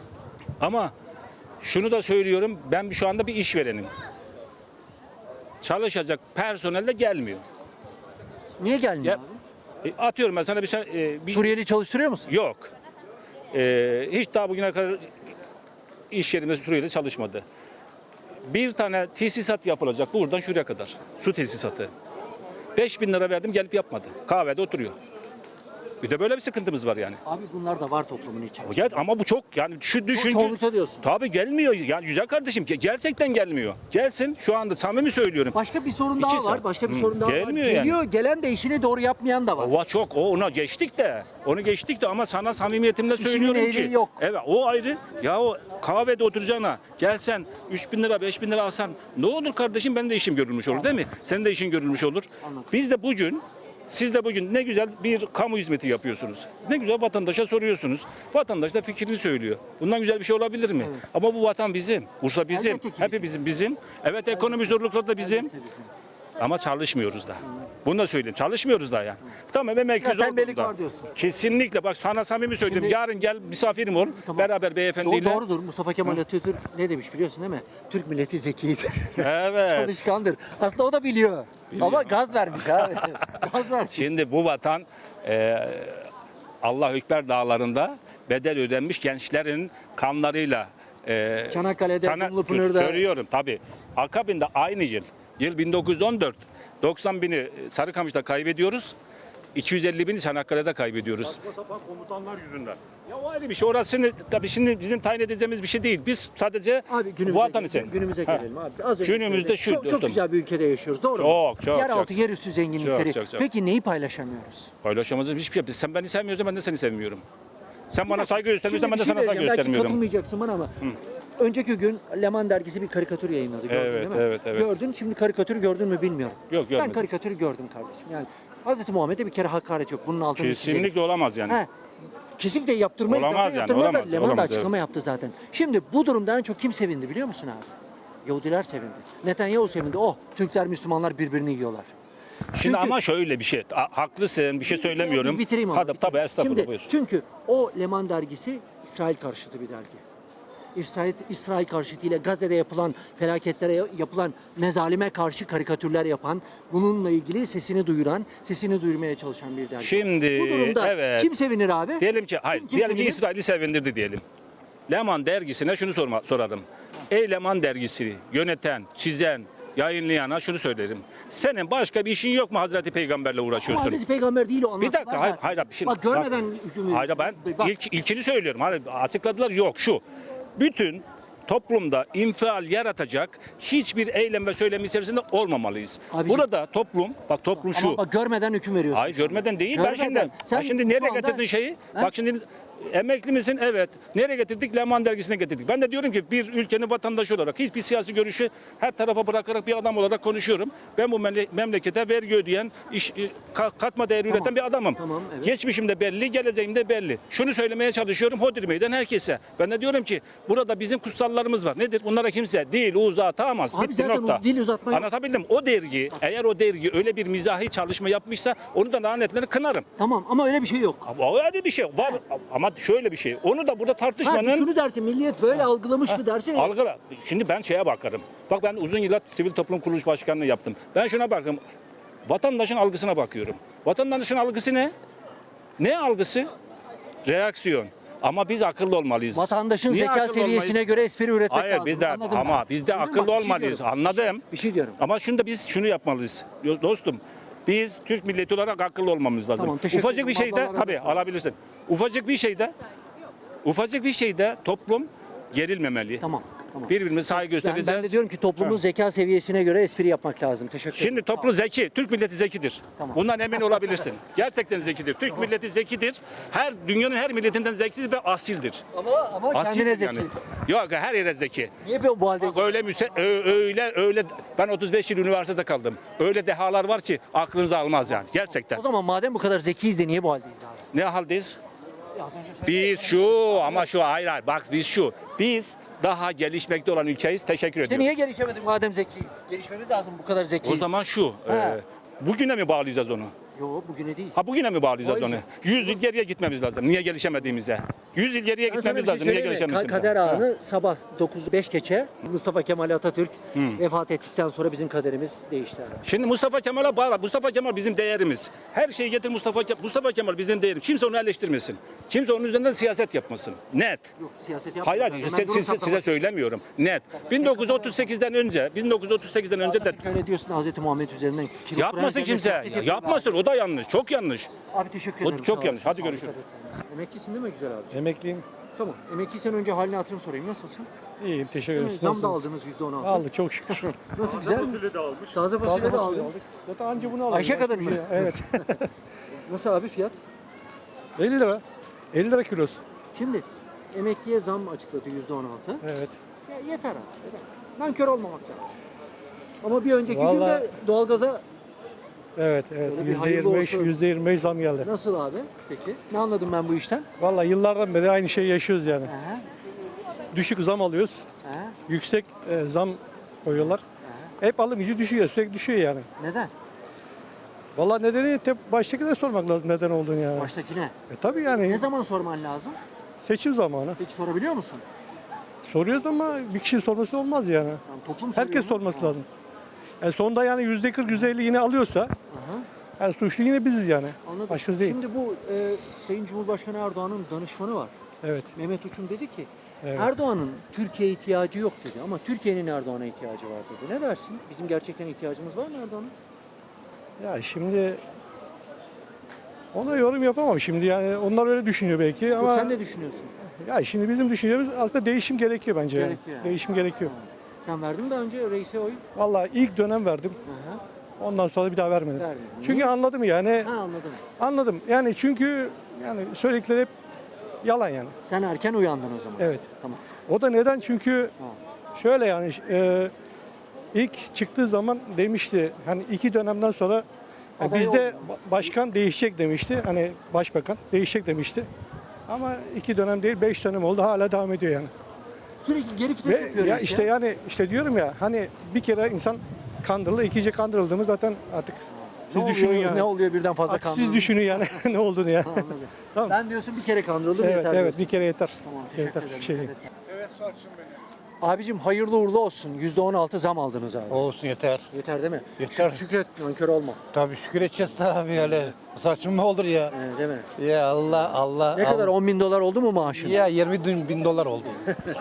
[SPEAKER 5] Ama şunu da söylüyorum ben şu anda bir işverenim. Çalışacak personel de gelmiyor.
[SPEAKER 1] Niye gelmiyor
[SPEAKER 5] Ya,
[SPEAKER 1] abi?
[SPEAKER 5] e, atıyorum ben sana bir, şey- e, bir
[SPEAKER 1] Suriyeli çalıştırıyor musun?
[SPEAKER 5] Yok. Ee, hiç daha bugüne kadar iş yerimde Suriyeli çalışmadı. Bir tane tesisat yapılacak buradan şuraya kadar. Su tesisatı. beş bin lira verdim gelip yapmadı. Kahvede oturuyor. Bir de böyle bir sıkıntımız var yani.
[SPEAKER 1] Abi bunlar da var toplumun içinde.
[SPEAKER 5] Gel ama bu çok yani şu düşünce.
[SPEAKER 1] çoğunlukta diyorsun.
[SPEAKER 5] Tabii gelmiyor. Yani güzel kardeşim ge- gerçekten gelmiyor. Gelsin şu anda samimi söylüyorum.
[SPEAKER 1] Başka bir sorun
[SPEAKER 5] İki
[SPEAKER 1] daha var.
[SPEAKER 5] saat.
[SPEAKER 1] Başka bir
[SPEAKER 5] Hı,
[SPEAKER 1] sorun daha var.
[SPEAKER 5] gelmiyor yani.
[SPEAKER 1] Geliyor, gelen de işini doğru yapmayan da var.
[SPEAKER 5] Ova çok o ona geçtik de onu geçtik de ama sana samimiyetimle
[SPEAKER 1] İşinin
[SPEAKER 5] söylüyorum
[SPEAKER 1] ehli
[SPEAKER 5] ki
[SPEAKER 1] yok.
[SPEAKER 5] evet o ayrı ya o kahvede oturacağına gelsen üç bin lira beş bin lira alsan ne olur kardeşim benim de işim görülmüş olur değil mi? Senin de işin görülmüş olur.
[SPEAKER 1] Anladım.
[SPEAKER 5] Biz de bugün siz de bugün ne güzel bir kamu hizmeti yapıyorsunuz. Ne güzel vatandaşa soruyorsunuz. Vatandaş da fikrini söylüyor. Bundan güzel bir şey olabilir mi?
[SPEAKER 1] Evet.
[SPEAKER 5] Ama bu vatan bizim. Bursa bizim.
[SPEAKER 1] Elbette ki bizim.
[SPEAKER 5] Hepimizin bizim. Evet ekonomi zorlukları da bizim. Ama çalışmıyoruz da. Bunu da söyleyeyim. Çalışmıyoruz da yani. Tamam emekli
[SPEAKER 1] Biraz
[SPEAKER 5] zor
[SPEAKER 1] tembellik
[SPEAKER 5] durumda.
[SPEAKER 1] var diyorsun.
[SPEAKER 5] Kesinlikle bak sana samimi söylüyorum.
[SPEAKER 1] Şimdi-
[SPEAKER 5] Yarın gel misafirim ol.
[SPEAKER 1] Tamam.
[SPEAKER 5] Beraber beyefendiyle.
[SPEAKER 1] Do- doğrudur. Mustafa Kemal Atatürk ne demiş biliyorsun değil mi? Türk milleti zekidir.
[SPEAKER 5] Evet.
[SPEAKER 1] Çalışkandır. Aslında o da biliyor. Ama gaz vermiş abi. Gaz vermiş.
[SPEAKER 5] Şimdi bu vatan e, Allah Ekber dağlarında bedel ödenmiş gençlerin kanlarıyla e,
[SPEAKER 1] Çanakkale'de,
[SPEAKER 5] sana-
[SPEAKER 1] Dumlupınar'da.
[SPEAKER 5] söylüyorum tabii. Akabinde aynı yıl yıl bin dokuz yüz on dört doksan bini Sarıkamış'ta kaybediyoruz. iki yüz elli bini Çanakkale'de kaybediyoruz.
[SPEAKER 4] Saçma sapan komutanlar yüzünden.
[SPEAKER 5] Ya o ayrı bir şey. Orası tabii şimdi bizim tayin edeceğimiz bir şey değil. Biz sadece
[SPEAKER 1] Abi günümüze,
[SPEAKER 5] vatan için.
[SPEAKER 1] günümüze
[SPEAKER 5] Ha.
[SPEAKER 1] gelelim abi. Az önce
[SPEAKER 5] Günümüzde
[SPEAKER 1] söyledim.
[SPEAKER 5] şu
[SPEAKER 1] çok, çok
[SPEAKER 5] dostum.
[SPEAKER 1] güzel bir ülkede yaşıyoruz. Doğru mu?
[SPEAKER 5] Çok, çok,
[SPEAKER 1] Yeraltı,
[SPEAKER 5] çok.
[SPEAKER 1] yerüstü zenginlikleri.
[SPEAKER 5] Çok, çok, çok.
[SPEAKER 1] Peki neyi paylaşamıyoruz?
[SPEAKER 5] Paylaşamazız hiçbir şey. Sen beni sevmiyorsan ben de seni sevmiyorum. Sen
[SPEAKER 1] Bir
[SPEAKER 5] bana
[SPEAKER 1] dakika,
[SPEAKER 5] saygı göstermiyorsan
[SPEAKER 1] şimdi
[SPEAKER 5] ben de
[SPEAKER 1] bir şey
[SPEAKER 5] sana saygı
[SPEAKER 1] diyeceğim. Belki
[SPEAKER 5] göstermiyorum.
[SPEAKER 1] katılmayacaksın bana ama. Önceki gün Leman dergisi bir karikatür yayınladı. Gördün
[SPEAKER 5] Evet,
[SPEAKER 1] değil mi?
[SPEAKER 5] evet, evet.
[SPEAKER 1] Gördün. Şimdi karikatürü gördün mü bilmiyorum.
[SPEAKER 5] Yok,
[SPEAKER 1] Ben
[SPEAKER 5] görmedim.
[SPEAKER 1] karikatürü gördüm kardeşim. Yani Hazreti Muhammed'e bir kere hakaret yok. Bunun altını çizelim.
[SPEAKER 5] Kesinlikle olamaz yani.
[SPEAKER 1] He. Kesinlikle yaptırmayız
[SPEAKER 5] Olamaz
[SPEAKER 1] zaten.
[SPEAKER 5] yani,
[SPEAKER 1] Yaptırmazlar.
[SPEAKER 5] olamaz,
[SPEAKER 1] Leman da
[SPEAKER 5] olamaz,
[SPEAKER 1] açıklama yaptı zaten. Şimdi bu durumda en çok kim sevindi biliyor musun abi? Yahudiler sevindi. Netanyahu sevindi. Oh, Türkler, Müslümanlar birbirini yiyorlar.
[SPEAKER 5] Şimdi
[SPEAKER 1] Çünkü-
[SPEAKER 5] ama şöyle bir şey. Ha- Haklısın bir şey söylemiyorum.
[SPEAKER 1] Bir bitireyim abi.
[SPEAKER 5] Hadi,
[SPEAKER 1] bitireyim.
[SPEAKER 5] tabii estağfurullah
[SPEAKER 1] Şimdi,
[SPEAKER 5] buyur.
[SPEAKER 1] çünkü o Leman dergisi İsrail karşıtı bir dergi. İsrail, İsrail karşıtıyla Gazze'de yapılan felaketlere yapılan mezalime karşı karikatürler yapan, bununla ilgili sesini duyuran, sesini duyurmaya çalışan bir dergi.
[SPEAKER 5] Şimdi,
[SPEAKER 1] bu durumda
[SPEAKER 5] evet.
[SPEAKER 1] kim sevinir abi?
[SPEAKER 5] Diyelim ki hayır,
[SPEAKER 1] Kim- kim
[SPEAKER 5] diyelim ki
[SPEAKER 1] sevinir?
[SPEAKER 5] İsrail'i sevindirdi diyelim. Leman dergisine şunu sorma, sorarım. Ey Leman dergisi yöneten, çizen, yayınlayana şunu söylerim. Senin başka bir işin yok mu Hazreti Peygamberle
[SPEAKER 1] Ama
[SPEAKER 5] uğraşıyorsun?
[SPEAKER 1] Hazreti Peygamber değil o,
[SPEAKER 5] Bir
[SPEAKER 1] anlattılar
[SPEAKER 5] dakika, hayır,
[SPEAKER 1] zaten.
[SPEAKER 5] hayır, bir şey.
[SPEAKER 1] Bak görmeden
[SPEAKER 5] bak,
[SPEAKER 1] hüküm veriyorsun.
[SPEAKER 5] Hayır, ben
[SPEAKER 1] Bak,
[SPEAKER 5] ilk, ilkini söylüyorum. Hayır, açıkladılar, yok şu. Bütün toplumda infial yaratacak hiçbir eylem ve söylem içerisinde olmamalıyız.
[SPEAKER 1] Abiciğim.
[SPEAKER 5] Burada toplum, bak toplum şu.
[SPEAKER 1] ama bak görmeden hüküm veriyorsun.
[SPEAKER 5] Hayır, görmeden değil. Ben
[SPEAKER 1] Görmeden.
[SPEAKER 5] şimdi,
[SPEAKER 1] Sen
[SPEAKER 5] bak şimdi
[SPEAKER 1] şu
[SPEAKER 5] nereye
[SPEAKER 1] anda-
[SPEAKER 5] getirdin şeyi?
[SPEAKER 1] He?
[SPEAKER 5] Bak şimdi emekli misin? Evet. Nereye getirdik? Leman dergisine getirdik. Ben de diyorum ki bir ülkenin vatandaşı olarak hiçbir siyasi görüşü her tarafa bırakarak bir adam olarak konuşuyorum. Ben bu memle- memlekete vergi ödeyen, iş, e, ka- katma değer üreten bir adamım.
[SPEAKER 1] Tamam, evet.
[SPEAKER 5] Geçmişim de belli, geleceğim de belli. Şunu söylemeye çalışıyorum Hodri Meydan herkese. Ben de diyorum ki burada bizim kutsallarımız var. Nedir? Bunlara kimse değil uzatamaz.
[SPEAKER 1] Abi
[SPEAKER 5] Bitti,
[SPEAKER 1] zaten
[SPEAKER 5] nokta.
[SPEAKER 1] uz- dil uzatma yok.
[SPEAKER 5] Anlatabildim. O dergi, eğer o dergi öyle bir mizahi çalışma yapmışsa onu da lanetlerini kınarım.
[SPEAKER 1] Tamam ama öyle bir şey yok.
[SPEAKER 5] Ama öyle bir şey var ama şöyle bir şey. Onu da burada
[SPEAKER 1] Ha,
[SPEAKER 5] tartışmanın
[SPEAKER 1] şunu dersin, milliyet böyle algılamış mı dersin?
[SPEAKER 5] algıla. Şimdi ben şeye bakarım. Bak ben uzun yıllar sivil toplum kuruluş başkanlığı yaptım. Ben şuna bakıyorum. Vatandaşın algısına bakıyorum. Vatandaşın algısı ne? Ne algısı? Reaksiyon. Ama biz akıllı olmalıyız.
[SPEAKER 1] Vatandaşın
[SPEAKER 5] Niye
[SPEAKER 1] zeka
[SPEAKER 5] akıllı
[SPEAKER 1] seviyesine
[SPEAKER 5] olmayız?
[SPEAKER 1] göre espri üretmek
[SPEAKER 5] Hayır
[SPEAKER 1] lazım.
[SPEAKER 5] biz de
[SPEAKER 1] Anladım
[SPEAKER 5] ama
[SPEAKER 1] ben.
[SPEAKER 5] biz de
[SPEAKER 1] Anladın mı?
[SPEAKER 5] akıllı
[SPEAKER 1] Bak, bir şey
[SPEAKER 5] olmalıyız.
[SPEAKER 1] diyorum.
[SPEAKER 5] Anladım.
[SPEAKER 1] Bir şey diyorum.
[SPEAKER 5] Ama şunu da biz şunu yapmalıyız. Yo- Dostum biz Türk milleti olarak akıllı olmamız lazım.
[SPEAKER 1] Tamam, teşekkür
[SPEAKER 5] Ufacık bir
[SPEAKER 1] ederim.
[SPEAKER 5] şeyde
[SPEAKER 1] Allah razı
[SPEAKER 5] tabii
[SPEAKER 1] olsun.
[SPEAKER 5] alabilirsin. Ufacık bir şeyde ufacık bir şeyde toplum gerilmemeli.
[SPEAKER 1] Tamam. Tamam.
[SPEAKER 5] Birbirimize saygı
[SPEAKER 1] Ben,
[SPEAKER 5] göstereceğiz.
[SPEAKER 1] ben de diyorum ki toplumun
[SPEAKER 5] Ha.
[SPEAKER 1] zeka seviyesine göre espri yapmak lazım. Teşekkür ederim.
[SPEAKER 5] Şimdi toplum zeki, Türk milleti zekidir.
[SPEAKER 1] Tamam.
[SPEAKER 5] Bundan emin olabilirsin. Gerçekten zekidir. Türk milleti zekidir. Her dünyanın her milletinden zekidir ve asildir.
[SPEAKER 1] Ama ama kendine
[SPEAKER 5] Asildir
[SPEAKER 1] zeki.
[SPEAKER 5] yani. Yok her yere zeki.
[SPEAKER 1] Niye bu bu halde?
[SPEAKER 5] Bak öyle müse ö- öyle öyle ben otuz beş yıl üniversitede kaldım. Öyle dehalar var ki aklınızı almaz yani gerçekten.
[SPEAKER 1] O zaman madem bu kadar zekiyiz de niye bu haldeyiz abi?
[SPEAKER 5] Ne haldeyiz?
[SPEAKER 1] Ya az önce söyledin.
[SPEAKER 5] Biz şu ama şu hayır hayır bak biz şu. Biz daha gelişmekte olan ülkeyiz. Teşekkür
[SPEAKER 1] İşte
[SPEAKER 5] ediyorum.
[SPEAKER 1] niye gelişemedik madem zekiyiz? Gelişmemiz lazım bu kadar zekiyiz.
[SPEAKER 5] O zaman şu.
[SPEAKER 1] Ha.
[SPEAKER 5] e, bugüne mi bağlayacağız onu?
[SPEAKER 1] Yo bugüne değil.
[SPEAKER 5] Ha bugüne mi bağlayacağız
[SPEAKER 1] O
[SPEAKER 5] onu?
[SPEAKER 1] yüzden.
[SPEAKER 5] yüz yıl geriye gitmemiz lazım. Niye gelişemediğimize? yüz yıl geriye
[SPEAKER 1] Ben sana bir
[SPEAKER 5] gitmemiz
[SPEAKER 1] şey
[SPEAKER 5] lazım. Niye
[SPEAKER 1] söyleyeyim mi? Ka-
[SPEAKER 5] gelişemediğimize?
[SPEAKER 1] Kader
[SPEAKER 5] Ha.
[SPEAKER 1] anı sabah dokuz beş geçe Mustafa Kemal Atatürk vefat ettikten sonra bizim kaderimiz değişti. abi.
[SPEAKER 5] Şimdi Mustafa Kemal'a bağla. Mustafa Kemal bizim değerimiz. Her şeyi getir Mustafa Kemal. Mustafa Kemal bizim değerimiz. Kimse onu eleştirmesin. Kimse onun üzerinden siyaset yapmasın. Net.
[SPEAKER 1] Yok siyaset
[SPEAKER 5] Hayır
[SPEAKER 1] yapmıyorlar.
[SPEAKER 5] hayır
[SPEAKER 1] Hemen
[SPEAKER 5] size,
[SPEAKER 1] durum
[SPEAKER 5] size,
[SPEAKER 1] saptamak.
[SPEAKER 5] size söylemiyorum. Net. bin dokuz yüz otuz sekizden önce, bin dokuz yüz otuz sekizden önce de
[SPEAKER 1] Atatürk öyle diyorsun Hazreti Muhammed üzerinden. kilo
[SPEAKER 5] yapmasın
[SPEAKER 1] kuran üzerine
[SPEAKER 5] kimse.
[SPEAKER 1] siyaset yapıyor be
[SPEAKER 5] Yapmasın. O da yanlış. Çok yanlış.
[SPEAKER 1] Abi, abi teşekkür
[SPEAKER 5] O
[SPEAKER 1] ederim.
[SPEAKER 5] çok
[SPEAKER 1] sağ
[SPEAKER 5] yanlış.
[SPEAKER 1] olasın,
[SPEAKER 5] Hadi
[SPEAKER 1] sağ ol,
[SPEAKER 5] görüşürüz.
[SPEAKER 1] dikkat et. Emeklisin değil mi güzel abi?
[SPEAKER 6] Emekliyim.
[SPEAKER 1] Tamam. Emekliysen önce halini hatırını sorayım. Nasılsın?
[SPEAKER 6] İyiyim, teşekkür
[SPEAKER 1] Değil mi?
[SPEAKER 6] ederim.
[SPEAKER 1] Zam da
[SPEAKER 6] Nasılsınız?
[SPEAKER 1] aldınız yüzde on altı.
[SPEAKER 6] Aldık çok şükür.
[SPEAKER 1] Nasıl güzel mi?
[SPEAKER 4] Fasulye de almış.
[SPEAKER 1] Taze fasulye de
[SPEAKER 6] Taze
[SPEAKER 1] aldın.
[SPEAKER 6] aldık. Zaten anca bunu aldık.
[SPEAKER 1] Ayşe
[SPEAKER 6] Başka
[SPEAKER 1] kadar
[SPEAKER 6] bir
[SPEAKER 1] mı?
[SPEAKER 6] şey- Evet.
[SPEAKER 1] Nasıl abi fiyat?
[SPEAKER 6] elli lira. elli lira kilosu.
[SPEAKER 1] Şimdi emekliye zam açıkladı yüzde on altı.
[SPEAKER 6] Evet.
[SPEAKER 1] Ya yeter abi. Yeter. Nankör olmamak lazım. Ama bir önceki
[SPEAKER 6] Vallahi-
[SPEAKER 1] günde doğalgaza
[SPEAKER 6] Evet, evet.
[SPEAKER 1] Öyle bir
[SPEAKER 6] yüzde
[SPEAKER 1] hayırlı
[SPEAKER 6] yirmi beş,
[SPEAKER 1] olsun.
[SPEAKER 6] yüzde yirmi beş zam geldi.
[SPEAKER 1] nasıl abi peki? Ne anladım ben bu işten?
[SPEAKER 6] Vallahi yıllardan beri aynı şeyi yaşıyoruz yani.
[SPEAKER 1] Aha,
[SPEAKER 6] Düşük zam alıyoruz.
[SPEAKER 1] aha,
[SPEAKER 6] Yüksek e, zam koyuyorlar.
[SPEAKER 1] aha.
[SPEAKER 6] Hep alım gücü düşüyor, sürekli düşüyor yani.
[SPEAKER 1] Neden?
[SPEAKER 6] Vallahi nedeni te- baştakine sormak lazım neden olduğunu yani.
[SPEAKER 1] Baştakine.
[SPEAKER 6] E tabii yani
[SPEAKER 1] Ne zaman sorman lazım?
[SPEAKER 6] seçim zamanı.
[SPEAKER 1] Peki sorabiliyor musun?
[SPEAKER 6] Soruyoruz ama bir kişinin sorması olmaz yani.
[SPEAKER 1] Yani toplum soruyor
[SPEAKER 6] Herkes
[SPEAKER 1] mu?
[SPEAKER 6] sorması
[SPEAKER 1] Ha,
[SPEAKER 6] lazım. Yani sonunda yani yüzde kırk, yüzde elli yine alıyorsa
[SPEAKER 1] aha,
[SPEAKER 6] yani suçlu yine biziz yani.
[SPEAKER 1] anladım.
[SPEAKER 6] Başkası değil.
[SPEAKER 1] Şimdi bu e, Sayın Cumhurbaşkanı Erdoğan'ın danışmanı var.
[SPEAKER 6] Evet.
[SPEAKER 1] Mehmet Uçum dedi ki
[SPEAKER 6] Evet.
[SPEAKER 1] Erdoğan'ın Türkiye'ye ihtiyacı yok dedi ama Türkiye'nin Erdoğan'a ihtiyacı var dedi. Ne dersin? Bizim gerçekten ihtiyacımız var mı Erdoğan'a?
[SPEAKER 6] Ya şimdi ona yorum yapamam şimdi yani onlar öyle düşünüyor belki ama
[SPEAKER 1] Sen ne düşünüyorsun?
[SPEAKER 6] ya şimdi bizim düşüncemiz aslında değişim gerekiyor bence yani.
[SPEAKER 1] Gerekiyor yani.
[SPEAKER 6] Değişim gerekiyor.
[SPEAKER 1] Sen verdin mi daha önce reise oy?
[SPEAKER 6] Vallahi ilk dönem verdim.
[SPEAKER 1] Aha,
[SPEAKER 6] Ondan sonra bir daha vermedim.
[SPEAKER 1] vermedin.
[SPEAKER 6] Çünkü
[SPEAKER 1] Niye?
[SPEAKER 6] anladım yani.
[SPEAKER 1] Ha anladım.
[SPEAKER 6] Anladım. Yani çünkü yani söyledikleri hep yalan yani.
[SPEAKER 1] Sen erken uyandın o zaman.
[SPEAKER 6] Evet.
[SPEAKER 1] Tamam.
[SPEAKER 6] O da neden? Çünkü
[SPEAKER 1] Ha.
[SPEAKER 6] şöyle yani e, ilk çıktığı zaman demişti hani iki dönemden sonra e,
[SPEAKER 1] Aday
[SPEAKER 6] bizde
[SPEAKER 1] olmuyor.
[SPEAKER 6] ba- başkan değişecek demişti. Hani başbakan değişecek demişti. Ama iki dönem değil beş dönem oldu hala devam ediyor yani.
[SPEAKER 1] Sürekli geri vites
[SPEAKER 6] Ve
[SPEAKER 1] yapıyor
[SPEAKER 6] ya
[SPEAKER 1] reis
[SPEAKER 6] işte yani işte diyorum ya hani bir kere insan kandırıldı, ikinci kandırıldığımız zaten artık
[SPEAKER 1] Ne
[SPEAKER 6] siz
[SPEAKER 1] oluyor,
[SPEAKER 6] düşünün yani.
[SPEAKER 1] Ne oluyor birden fazla
[SPEAKER 6] Artık siz
[SPEAKER 1] kandırıldı?
[SPEAKER 6] düşünün yani ne olduğunu ya.
[SPEAKER 1] Ha, anladım.
[SPEAKER 6] Tamam.
[SPEAKER 1] Ben diyorsun bir kere kandırıldım
[SPEAKER 6] Evet
[SPEAKER 1] yeter
[SPEAKER 6] evet
[SPEAKER 1] diyorsun.
[SPEAKER 6] bir kere yeter.
[SPEAKER 1] Tamam
[SPEAKER 6] Bir kere
[SPEAKER 1] teşekkür
[SPEAKER 6] yeter.
[SPEAKER 1] ederim.
[SPEAKER 6] Şey
[SPEAKER 1] Dikkat
[SPEAKER 6] değil.
[SPEAKER 1] et.
[SPEAKER 7] Evet Sarçın benim.
[SPEAKER 1] Abicim hayırlı uğurlu olsun. yüzde on altı zam aldınız abi.
[SPEAKER 7] Olsun yeter.
[SPEAKER 1] Yeter değil mi?
[SPEAKER 7] Yeter.
[SPEAKER 1] Şük- Şükret, nankör olma.
[SPEAKER 7] Tabii şükür edeceğiz tabii öyle. Saçma olur ya.
[SPEAKER 1] Ee, değil mi?
[SPEAKER 7] Ya Allah Allah.
[SPEAKER 1] Ne kadar?
[SPEAKER 7] Allah.
[SPEAKER 1] on bin dolar oldu mu maaşın?
[SPEAKER 7] Ya yirmi bin, bin dolar oldu.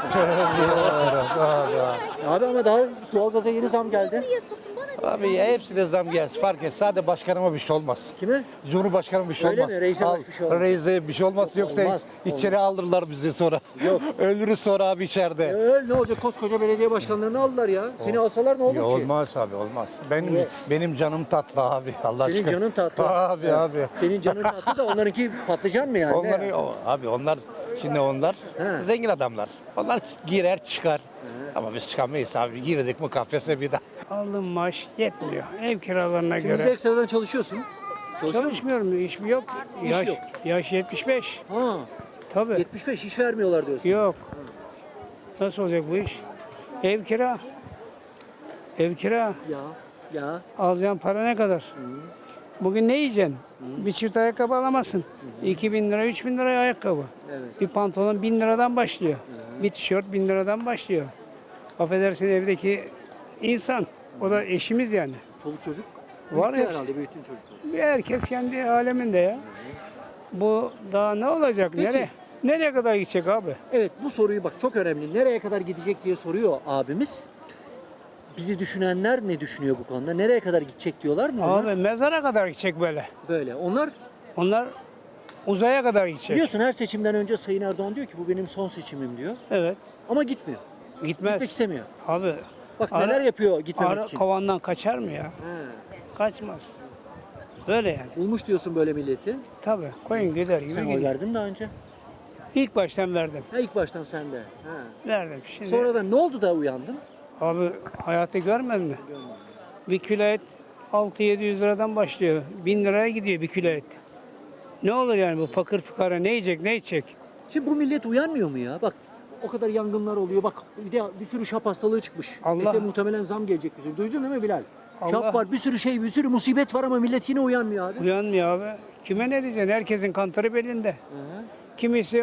[SPEAKER 1] Abi ama daha doğalgaza yeni zam geldi.
[SPEAKER 7] Abi ya hepsine zam gelsin fark et. Sadece başkanıma bir şey olmaz.
[SPEAKER 1] Kime?
[SPEAKER 7] Cumhurbaşkanıma bir şey
[SPEAKER 1] Öyle
[SPEAKER 7] olmaz.
[SPEAKER 1] mi? Reise
[SPEAKER 7] Al,
[SPEAKER 1] bir şey olmaz.
[SPEAKER 7] Reise bir şey olmaz.
[SPEAKER 1] Yok,
[SPEAKER 7] Yoksa
[SPEAKER 1] olmaz,
[SPEAKER 7] içeri aldırırlar bizi sonra.
[SPEAKER 1] Yok.
[SPEAKER 7] Ölürüz sonra abi içeride.
[SPEAKER 1] Öyle ne olacak? Koskoca belediye başkanlarını aldılar ya. Seni alsalar ne olur
[SPEAKER 7] Ya
[SPEAKER 1] ki?
[SPEAKER 7] olmaz abi olmaz. Benim
[SPEAKER 1] Niye?
[SPEAKER 7] benim canım tatlı abi. Allah
[SPEAKER 1] Senin
[SPEAKER 7] aşkına.
[SPEAKER 1] canın tatlı.
[SPEAKER 7] Abi
[SPEAKER 1] Evet.
[SPEAKER 7] abi.
[SPEAKER 1] Senin canın tatlı da onlarınki patlıcan mı yani? Ne
[SPEAKER 7] Onları
[SPEAKER 1] yani?
[SPEAKER 7] o- abi onlar şimdi onlar
[SPEAKER 1] He.
[SPEAKER 7] zengin adamlar. Onlar girer çıkar. Ama biz çıkamayız abi. Girdik mi kafese bir daha.
[SPEAKER 2] Aldığım maaş yetmiyor. Ev kiralarına
[SPEAKER 1] Şimdi bir de
[SPEAKER 2] göre.
[SPEAKER 1] ekstradan çalışıyorsun. Çalışıyor musun?
[SPEAKER 2] Çalışmıyorum, iş mi yok?
[SPEAKER 1] İş
[SPEAKER 2] Yaş,
[SPEAKER 1] yok.
[SPEAKER 2] yaş yetmiş beş.
[SPEAKER 1] Ha,
[SPEAKER 2] Tabii.
[SPEAKER 1] yetmiş beş iş vermiyorlar diyorsun.
[SPEAKER 2] Yok. Nasıl olacak bu iş? Ev kira. Ev kira.
[SPEAKER 1] Ya, ya.
[SPEAKER 2] Alacağın para ne kadar? Bugün ne yiyeceksin? Bir çift ayakkabı alamazsın. iki bin lira, üç bin lira ayakkabı.
[SPEAKER 1] Evet.
[SPEAKER 2] Bir pantolon bin liradan başlıyor. Bir tişört bin liradan başlıyor. Affedersin evdeki insan. O da eşimiz yani.
[SPEAKER 1] Çoluk çocuk.
[SPEAKER 2] Var
[SPEAKER 1] Büyüttü
[SPEAKER 2] ya.
[SPEAKER 1] herhalde büyüttün çocukları.
[SPEAKER 2] Bir herkes kendi aleminde ya. Bu daha ne olacak?
[SPEAKER 1] Peki.
[SPEAKER 2] Nereye? Nereye kadar gidecek abi?
[SPEAKER 1] Evet bu soruyu bak çok önemli. Nereye kadar gidecek diye soruyor abimiz. Bizi düşünenler ne düşünüyor bu konuda? Nereye kadar gidecek diyorlar mı onlar?
[SPEAKER 2] Abi mezara kadar gidecek böyle.
[SPEAKER 1] Böyle. Onlar
[SPEAKER 2] Onlar uzaya kadar gidecek.
[SPEAKER 1] biliyorsun her seçimden önce Sayın Erdoğan diyor ki bu benim son seçimim diyor.
[SPEAKER 2] Evet.
[SPEAKER 1] Ama gitmiyor.
[SPEAKER 2] Gitmez.
[SPEAKER 1] Gitmek istemiyor.
[SPEAKER 2] Abi
[SPEAKER 1] Bak
[SPEAKER 2] Ara-
[SPEAKER 1] neler yapıyor gitmemek
[SPEAKER 2] arı
[SPEAKER 1] için.
[SPEAKER 2] kovandan kaçar mı ya?
[SPEAKER 1] He.
[SPEAKER 2] Kaçmaz. Böyle yani.
[SPEAKER 1] Bulmuş diyorsun böyle milleti.
[SPEAKER 2] Tabii. Koyun gider gibi
[SPEAKER 1] Sen oy
[SPEAKER 2] gidiyor.
[SPEAKER 1] verdin daha önce.
[SPEAKER 2] İlk baştan verdim.
[SPEAKER 1] Ha ilk baştan sen de. Ha.
[SPEAKER 2] Verdim. Şimdi
[SPEAKER 1] Sonradan ne oldu da uyandın?
[SPEAKER 2] abi hayatı görmedin mi? Bir kilo et altı yedi yüz liradan başlıyor. bin liraya gidiyor bir kilo et. Ne olur yani bu fakir fukara ne yiyecek ne içecek?
[SPEAKER 1] Şimdi bu millet uyanmıyor mu ya? Bak o kadar yangınlar oluyor. Bak bir de bir sürü şap hastalığı çıkmış.
[SPEAKER 2] Allah-
[SPEAKER 1] Ete muhtemelen zam gelecek bir sürü. Duydun değil mi Bilal?
[SPEAKER 2] Allah-
[SPEAKER 1] Şap var, bir sürü şey, bir sürü musibet var ama millet yine uyanmıyor abi.
[SPEAKER 2] Uyanmıyor abi. Kime ne diyeceksin? Herkesin kantarı belinde.
[SPEAKER 1] Hı.
[SPEAKER 2] Kimisi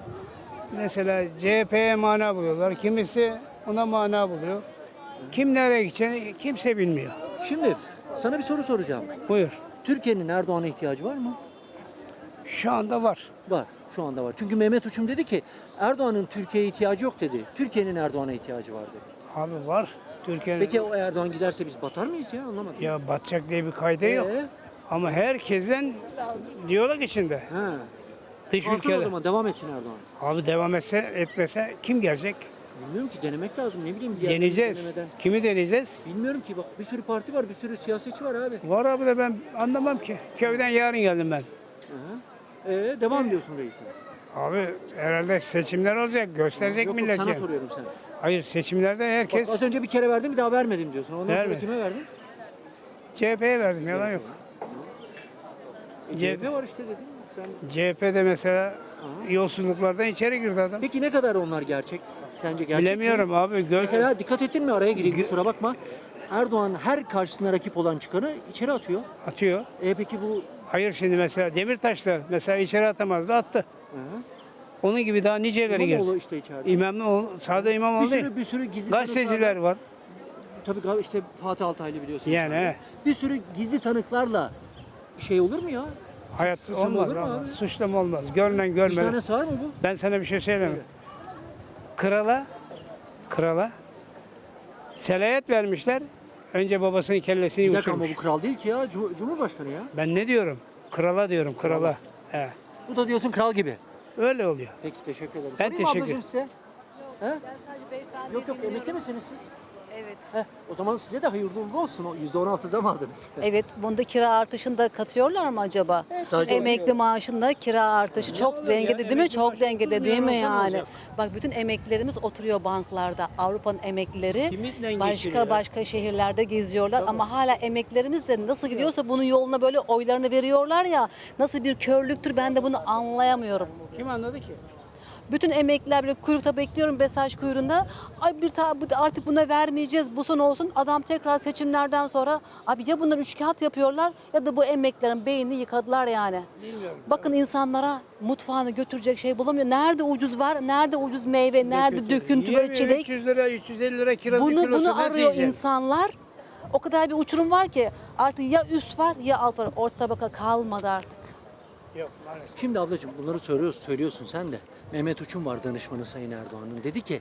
[SPEAKER 2] mesela C H P'ye mana buluyorlar. Kimisi ona mana buluyor. Kim nereye gideceğini kimse bilmiyor.
[SPEAKER 1] Şimdi sana bir soru soracağım.
[SPEAKER 2] Buyur.
[SPEAKER 1] Türkiye'nin Erdoğan'a ihtiyacı var mı?
[SPEAKER 2] Şu anda var.
[SPEAKER 1] Var. Şu anda var. Çünkü Mehmet Uçum dedi ki Erdoğan'ın Türkiye'ye ihtiyacı yok dedi. Türkiye'nin Erdoğan'a ihtiyacı var dedi.
[SPEAKER 2] Abi var. Türkiye'nin
[SPEAKER 1] Peki o Erdoğan giderse biz batar mıyız ya? Anlamadım.
[SPEAKER 2] ya batacak diye bir kaydı yok.
[SPEAKER 1] Ee?
[SPEAKER 2] Ama herkesten diyalog içinde.
[SPEAKER 1] Ha.
[SPEAKER 2] Dış
[SPEAKER 1] Kalsın o
[SPEAKER 2] ülkeler.
[SPEAKER 1] zaman devam etsin Erdoğan.
[SPEAKER 2] Abi devam etse etmese kim gelecek?
[SPEAKER 1] Bilmiyorum ki denemek lazım. Ne bileyim diğer
[SPEAKER 2] Deneyeceğiz.
[SPEAKER 1] denemeden.
[SPEAKER 2] Kimi deneyeceğiz?
[SPEAKER 1] Bilmiyorum ki bak bir sürü parti var, bir sürü siyasetçi var abi.
[SPEAKER 2] Var abi de ben anlamam ki. Köyden yarın geldim ben.
[SPEAKER 1] Hı hı. Ee, devam diyorsun reisine.
[SPEAKER 2] Abi herhalde seçimler olacak. Gösterecek
[SPEAKER 1] Yok, yok,
[SPEAKER 2] millet
[SPEAKER 1] sana
[SPEAKER 2] yani.
[SPEAKER 1] soruyorum sen.
[SPEAKER 2] Hayır seçimlerde herkes
[SPEAKER 1] Bak, az önce bir kere verdim bir daha vermedim diyorsun. Ondan sonra
[SPEAKER 2] Verme.
[SPEAKER 1] kime verdin?
[SPEAKER 2] C H P'ye verdim yalan yok.
[SPEAKER 1] E, C H P var işte dedim. Sen...
[SPEAKER 2] C H P'de mesela
[SPEAKER 1] Aha.
[SPEAKER 2] yolsuzluklardan içeri girdi adam.
[SPEAKER 1] Peki ne kadar onlar gerçek? Sence gerçek
[SPEAKER 2] Bilemiyorum
[SPEAKER 1] mi?
[SPEAKER 2] abi. Gör...
[SPEAKER 1] Mesela dikkat ettin mi araya gireyim kusura bakma. Erdoğan her karşısına rakip olan çıkanı içeri atıyor.
[SPEAKER 2] Atıyor.
[SPEAKER 1] E peki bu...
[SPEAKER 2] Hayır şimdi mesela Demirtaş'ta mesela içeri atamazdı attı.
[SPEAKER 1] Hı hı.
[SPEAKER 2] Onun gibi daha niceleri girdi.
[SPEAKER 1] İmamoğlu işte içeride.
[SPEAKER 2] İmamoğlu, sade
[SPEAKER 1] bir
[SPEAKER 2] İmamoğlu değil.
[SPEAKER 1] sürü bir sürü gizli
[SPEAKER 2] Gazeteciler
[SPEAKER 1] tanıklarla-
[SPEAKER 2] var.
[SPEAKER 1] Tabii gal- işte Fatih Altaylı biliyorsun.
[SPEAKER 2] Yani,
[SPEAKER 1] sen de.
[SPEAKER 2] he.
[SPEAKER 1] Bir sürü gizli tanıklarla şey olur mu ya?
[SPEAKER 2] Hayat
[SPEAKER 1] Suçlama
[SPEAKER 2] olmaz
[SPEAKER 1] olur mu
[SPEAKER 2] abi.
[SPEAKER 1] abi?
[SPEAKER 2] Suçlama olmaz. Görünen görmeden.
[SPEAKER 1] Vicdanesi var mı bu?
[SPEAKER 2] Ben sana bir şey söyleyeyim. Krala, krala selayet vermişler. Önce babasının kellesini
[SPEAKER 1] Bir dakika ama
[SPEAKER 2] uçurmuş.
[SPEAKER 1] bu kral değil ki ya. Cum- Cumhurbaşkanı ya.
[SPEAKER 2] Ben ne diyorum? Krala diyorum, krala. He.
[SPEAKER 1] Bu da diyorsun kral gibi.
[SPEAKER 2] Öyle oluyor.
[SPEAKER 1] Peki teşekkür ederim.
[SPEAKER 2] Ben
[SPEAKER 1] Sorayım mı
[SPEAKER 2] teşekkür-
[SPEAKER 1] ablacığım size? He? Yok yok emekli misiniz siz?
[SPEAKER 8] Evet.
[SPEAKER 1] Heh, o zaman size de hayırlı uğurlu olsun. O yüzde on altı zam aldınız.
[SPEAKER 8] Evet, bunda kira artışını da katıyorlar mı acaba?
[SPEAKER 1] Sadece
[SPEAKER 8] Emekli maaşında kira artışı çok dengede değil mi? Çok dengede değil mi yani? Bak bütün emeklilerimiz oturuyor banklarda. Avrupa'nın emeklileri
[SPEAKER 2] Kiminle
[SPEAKER 8] başka
[SPEAKER 2] geçiriyor?
[SPEAKER 8] başka şehirlerde geziyorlar ama hala emeklilerimiz de nasıl gidiyorsa bunun yoluna böyle oylarını veriyorlar ya. Nasıl bir körlüktür ben de bunu anlayamıyorum.
[SPEAKER 2] Kim anladı ki?
[SPEAKER 8] Bütün emekliler böyle kuyrukta bekliyorum, mesaj kuyruğunda. Ay bir ta, bu- artık buna vermeyeceğiz, bu son olsun. Adam tekrar seçimlerden sonra abi ya bunlar üç kağıt yapıyorlar ya da bu emeklilerin beynini yıkadılar yani. Bakın insanlara mutfağını götürecek şey bulamıyor. Nerede ucuz var, nerede ucuz meyve, nerede döküntü ve çilek.
[SPEAKER 7] üç yüz lira, üç yüz elli lira kirazın
[SPEAKER 8] Bunu
[SPEAKER 7] kilosu
[SPEAKER 8] bunu
[SPEAKER 7] nasıl
[SPEAKER 8] arıyor
[SPEAKER 7] yiyeceksin?
[SPEAKER 8] insanlar. O kadar bir uçurum var ki artık ya üst var ya alt var. Orta tabaka kalmadı artık.
[SPEAKER 2] Yok maalesef.
[SPEAKER 1] Şimdi ablacığım bunları söylüyorsun, söylüyorsun sen de. Mehmet Uçum var danışmanı Sayın Erdoğan'ın. Dedi ki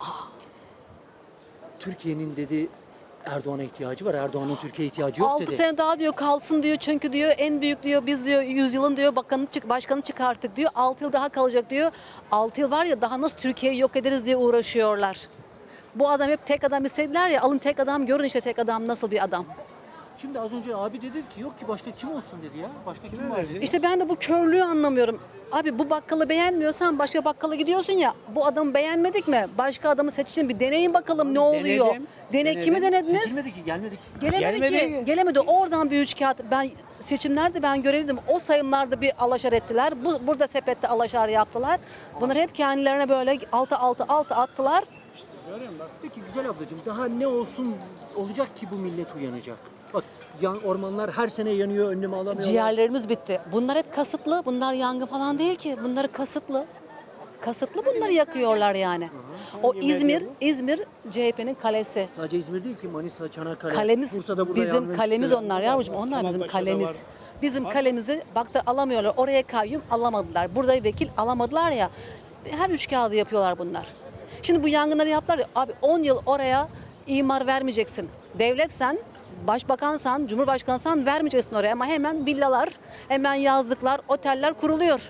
[SPEAKER 1] Türkiye'nin dedi Erdoğan'a ihtiyacı var. Erdoğan'ın Türkiye'ye ihtiyacı yok
[SPEAKER 8] altı
[SPEAKER 1] dedi.
[SPEAKER 8] sene daha diyor kalsın diyor çünkü diyor en büyük diyor biz diyor yüzyılın diyor bakanı çık başkanı çıkarttık diyor. altı yıl daha kalacak diyor. altı yıl var ya daha nasıl Türkiye'yi yok ederiz diye uğraşıyorlar. Bu adam hep tek adam istediler ya alın tek adam görün işte tek adam nasıl bir adam.
[SPEAKER 1] Şimdi az önce abi dedi ki yok ki başka kim olsun dedi ya. Başka kim var dedi.
[SPEAKER 8] İşte ben de bu körlüğü anlamıyorum. Abi bu bakkalı beğenmiyorsan başka bakkala gidiyorsun ya. Bu adamı beğenmedik mi? Başka adamı seçin bir deneyin bakalım ne oluyor.
[SPEAKER 7] Denedim,
[SPEAKER 8] Dene
[SPEAKER 7] denedim.
[SPEAKER 8] kimi denediniz?
[SPEAKER 1] Seçilmedi ki gelmedi ki.
[SPEAKER 8] Gelemedi,
[SPEAKER 7] Gelmedi.
[SPEAKER 8] ki. Gelemedi. Oradan bir üç kağıt. Ben seçimlerde ben görevliydim. O sayımlarda bir alaşar ettiler. Bu, burada sepette alaşar yaptılar. Bunlar hep kendilerine böyle altı altı altı attılar.
[SPEAKER 1] Peki güzel ablacığım daha ne olsun olacak ki bu millet uyanacak? Bak yan ormanlar her sene yanıyor önlemi alamıyorlar.
[SPEAKER 8] Ciğerlerimiz bitti. Bunlar hep kasıtlı. Bunlar yangın falan değil ki. Bunları kasıtlı. Kasıtlı bunları yakıyorlar yani. O İzmir, İzmir C H P'nin kalesi.
[SPEAKER 1] Sadece İzmir değil ki Manisa, Çanakkale,
[SPEAKER 8] Kalemiz
[SPEAKER 1] Bursa'da burada
[SPEAKER 8] bizim
[SPEAKER 1] yangın
[SPEAKER 8] kalemiz
[SPEAKER 1] çıktı.
[SPEAKER 8] onlar yavrucuğum. Onlar bizim
[SPEAKER 2] Kemalpaşa'da
[SPEAKER 8] kalemiz.
[SPEAKER 2] var.
[SPEAKER 8] Bizim kalemizi bak da alamıyorlar. Oraya kayyum alamadılar. Burada vekil alamadılar ya. Her üç kağıdı yapıyorlar bunlar. Şimdi bu yangınları yaptılar ya. Abi on yıl oraya imar vermeyeceksin. Devletsen, başbakansan, cumhurbaşkansan vermeyeceksin oraya. Ama hemen villalar, hemen yazlıklar, oteller kuruluyor.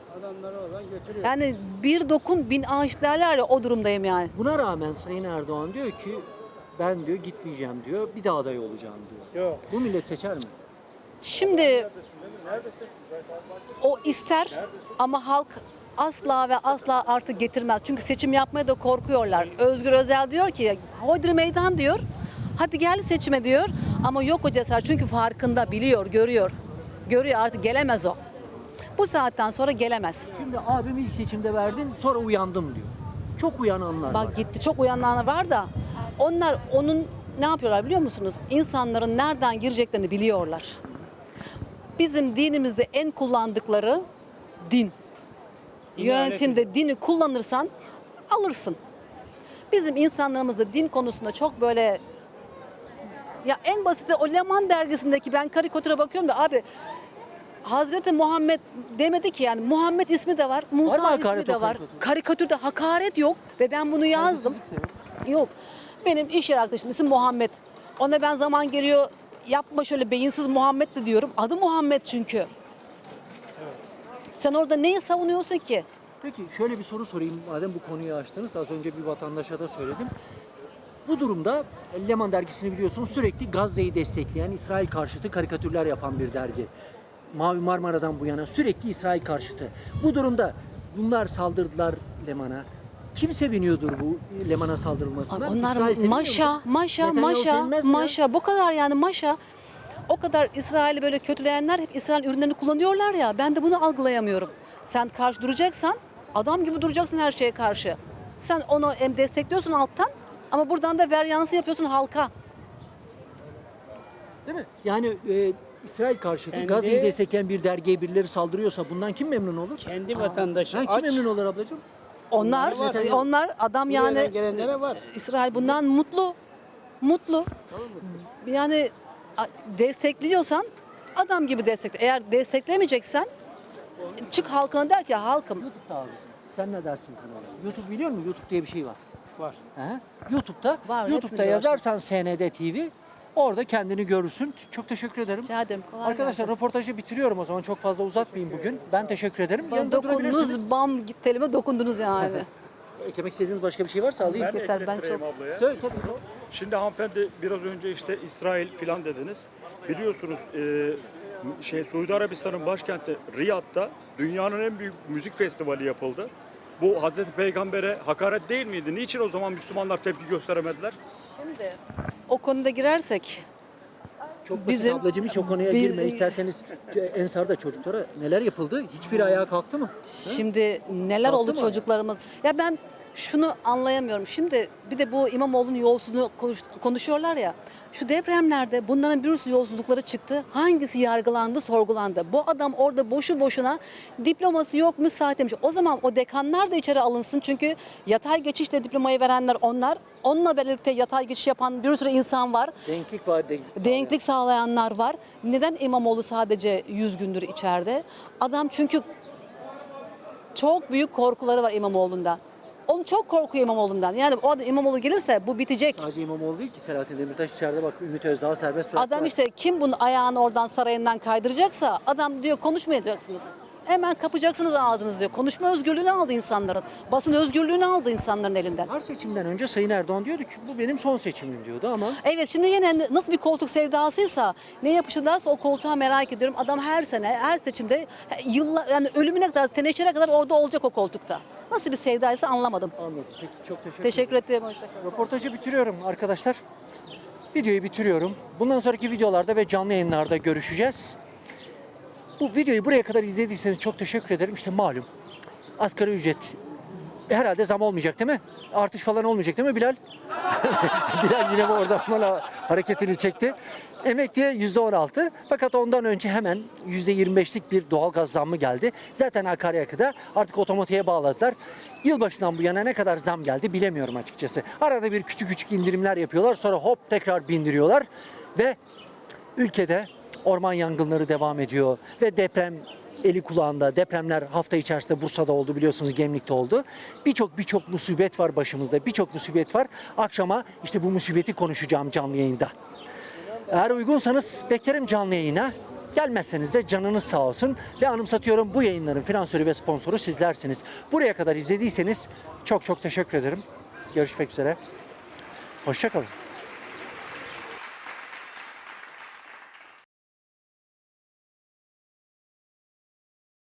[SPEAKER 8] Yani bir dokun bin ağaç derler ya o durumdayım yani.
[SPEAKER 1] Buna rağmen Sayın Erdoğan diyor ki ben diyor gitmeyeceğim diyor. Bir daha aday olacağım diyor.
[SPEAKER 2] Yok.
[SPEAKER 1] Bu millet seçer mi?
[SPEAKER 8] Şimdi o ister ama halk asla ve asla artık getirmez. Çünkü seçim yapmaya da korkuyorlar. Özgür Özel diyor ki hodri meydan diyor. Hadi gel seçime diyor. Ama yok o cesaret çünkü farkında biliyor, görüyor. Görüyor artık gelemez o. Bu saatten sonra gelemez.
[SPEAKER 1] Şimdi abim ilk seçimde verdim sonra uyandım diyor. Çok uyananlar var.
[SPEAKER 8] Bak gitti çok uyananlar var da onlar onun ne yapıyorlar biliyor musunuz? İnsanların nereden gireceklerini biliyorlar. Bizim dinimizde en kullandıkları din. Yönetimde dini kullanırsan alırsın. Bizim insanlarımızda din konusunda çok böyle ya en basiti o Leman dergisindeki ben karikatüre bakıyorum da abi Hazreti Muhammed demedi ki yani Muhammed ismi de var, Musa ismi
[SPEAKER 1] hakaret
[SPEAKER 8] de
[SPEAKER 1] o
[SPEAKER 8] var.
[SPEAKER 1] karikatürde?
[SPEAKER 8] Karikatürde hakaret yok ve ben bunu yazdım.
[SPEAKER 1] Saygısızlık da yok.
[SPEAKER 8] Yok. Benim iş yer arkadaşım isim Muhammed. Ona ben zaman geliyor yapma şöyle beyinsiz Muhammed de diyorum. Adı Muhammed çünkü. Sen orada neyi savunuyorsun ki?
[SPEAKER 1] Peki şöyle bir soru sorayım madem bu konuyu açtınız. Az önce bir vatandaşa da söyledim. Bu durumda Leman dergisini biliyorsunuz sürekli Gazze'yi destekleyen İsrail karşıtı karikatürler yapan bir dergi. Mavi Marmara'dan bu yana sürekli İsrail karşıtı. Bu durumda bunlar saldırdılar Leman'a. Kim seviniyordur bu Leman'a saldırılmasından?
[SPEAKER 8] Onlar
[SPEAKER 1] İsrail seviniyor
[SPEAKER 8] maşa,
[SPEAKER 1] mu?
[SPEAKER 8] maşa,
[SPEAKER 1] Netanyahu
[SPEAKER 8] maşa,
[SPEAKER 1] sevinmez mi ya?
[SPEAKER 8] maşa. Bu kadar yani maşa. O kadar İsrail'i böyle kötüleyenler hep İsrail ürünlerini kullanıyorlar ya. Ben de bunu algılayamıyorum. Sen karşı duracaksan adam gibi duracaksın her şeye karşı. Sen onu hem destekliyorsun alttan ama buradan da veryansı yapıyorsun halka.
[SPEAKER 1] Değil mi? Yani e, İsrail karşıtı
[SPEAKER 2] Kendi-
[SPEAKER 1] Gazze'yi destekleyen bir dergiye birileri saldırıyorsa bundan kim memnun olur?
[SPEAKER 2] Kendi vatandaşı
[SPEAKER 1] Ha, kim
[SPEAKER 2] aç.
[SPEAKER 1] memnun olur ablacığım?
[SPEAKER 8] Onlar,
[SPEAKER 1] Var.
[SPEAKER 8] onlar adam
[SPEAKER 2] Yani
[SPEAKER 8] yani
[SPEAKER 2] gelenlere var.
[SPEAKER 8] İsrail bundan mutlu. Mutlu. Yani a- destekliyorsan adam gibi destekle. Eğer desteklemeyeceksen çık halkına der ki halkım
[SPEAKER 1] YouTube'da abi. Sen ne dersin kanala? YouTube biliyor musun? YouTube diye bir şey var.
[SPEAKER 2] Var.
[SPEAKER 1] He? YouTube'da
[SPEAKER 8] Var, hepsini
[SPEAKER 1] YouTube'da
[SPEAKER 8] görsün.
[SPEAKER 1] yazarsan S N D T V orada kendini görürsün. Çok teşekkür ederim.
[SPEAKER 8] rica ederim. Kolay
[SPEAKER 1] Arkadaşlar
[SPEAKER 8] gelsin.
[SPEAKER 1] röportajı bitiriyorum o zaman. Çok fazla uzatmayayım bugün. Ben teşekkür ederim.
[SPEAKER 8] Bana
[SPEAKER 1] Yanında durabilirsiniz.
[SPEAKER 8] dokundunuz, bam telime dokundunuz yani.
[SPEAKER 1] Eklemek istediğiniz başka bir şey varsa alayım.
[SPEAKER 4] Ben de
[SPEAKER 8] Yeter, ben
[SPEAKER 4] eklettireyim
[SPEAKER 8] çok-
[SPEAKER 4] ablaya.
[SPEAKER 1] Söyle tabii.
[SPEAKER 4] Şimdi hanımefendi biraz önce işte İsrail filan dediniz. Biliyorsunuz e, şey Suudi Arabistan'ın başkenti Riyad'da dünyanın en büyük müzik festivali yapıldı. Bu Hazreti Peygamber'e hakaret değil miydi? Niçin o zaman Müslümanlar tepki gösteremediler?
[SPEAKER 8] Şimdi o konuda girersek
[SPEAKER 1] Çok basit
[SPEAKER 8] Bizim-
[SPEAKER 1] ablacığım, hiç o konuya
[SPEAKER 8] biz-
[SPEAKER 1] girme. İsterseniz Ensar'da çocuklara neler yapıldı? Hiçbiri ayağa kalktı mı?
[SPEAKER 8] Şimdi neler
[SPEAKER 1] Kalktı
[SPEAKER 8] oldu
[SPEAKER 1] mı?
[SPEAKER 8] çocuklarımız? Ya ben şunu anlayamıyorum. Şimdi bir de bu İmamoğlu'nun yolsuzluğunu konuş- konuşuyorlar ya. Şu depremlerde bunların bir sürü yolsuzlukları çıktı. Hangisi yargılandı, sorgulandı? Bu adam orada boşu boşuna diploması yokmuş, sahteymiş. O zaman o dekanlar da içeri alınsın. Çünkü yatay geçişle diplomayı verenler onlar. Onunla birlikte yatay geçiş yapan bir sürü insan var.
[SPEAKER 1] Denklik var. Denklik,
[SPEAKER 8] Denklik sağlayanlar var. Neden İmamoğlu sadece yüz gündür içeride? Adam çünkü çok büyük korkuları var İmamoğlu'ndan. Onu çok korkuyor İmamoğlu'ndan. Yani o adam İmamoğlu gelirse bu bitecek.
[SPEAKER 1] Sadece İmamoğlu değil ki, Selahattin Demirtaş içeride, bak Ümit Özdağ serbest bıraktılar.
[SPEAKER 8] Adam işte kim bunun ayağını oradan sarayından kaydıracaksa adam diyor konuşmayacaksınız. Hemen kapacaksınız ağzınızı diyor. Konuşma özgürlüğünü aldı insanların. Basın özgürlüğünü aldı insanların elinden.
[SPEAKER 1] Her seçimden önce Sayın Erdoğan diyordu ki bu benim son seçimim diyordu ama
[SPEAKER 8] Evet, şimdi yine nasıl bir koltuk sevdasıysa, ne yapışırlarsa o koltuğa merak ediyorum. Adam her sene, her seçimde yıllar, yani ölümüne kadar, teneşere kadar orada olacak o koltukta. Nasıl bir sevdaysa anlamadım.
[SPEAKER 1] anladım. Peki, çok teşekkür,
[SPEAKER 8] Teşekkür
[SPEAKER 1] ederim.
[SPEAKER 8] ederim. Hoşçakalın.
[SPEAKER 1] Röportajı bitiriyorum arkadaşlar. Videoyu bitiriyorum. Bundan sonraki videolarda ve canlı yayınlarda görüşeceğiz. Bu videoyu buraya kadar izlediyseniz çok teşekkür ederim. İşte malum asgari ücret herhalde zam olmayacak değil mi? Artış falan olmayacak değil mi Bilal? Bilal yine bu orada bana hareketini çekti. Emekliye yüzde on altı, fakat ondan önce hemen yüzde yirmi beşlik bir doğalgaz zammı geldi. Zaten akaryakıda artık otomatiğe bağladılar. Yılbaşından bu yana ne kadar zam geldi bilemiyorum açıkçası. Arada bir küçük küçük indirimler yapıyorlar, sonra hop tekrar bindiriyorlar ve ülkede orman yangınları devam ediyor ve deprem eli kulağında. Depremler hafta içerisinde Bursa'da oldu, biliyorsunuz, Gemlik'te oldu. Birçok birçok musibet var başımızda. Birçok musibet var. Akşama işte bu musibeti konuşacağım canlı yayında. Eğer uygunsanız beklerim canlı yayına. Gelmezseniz de canınız sağ olsun. Ve anımsatıyorum, bu yayınların finansörü ve sponsoru sizlersiniz. Buraya kadar izlediyseniz çok çok teşekkür ederim. Görüşmek üzere. Hoşça kalın.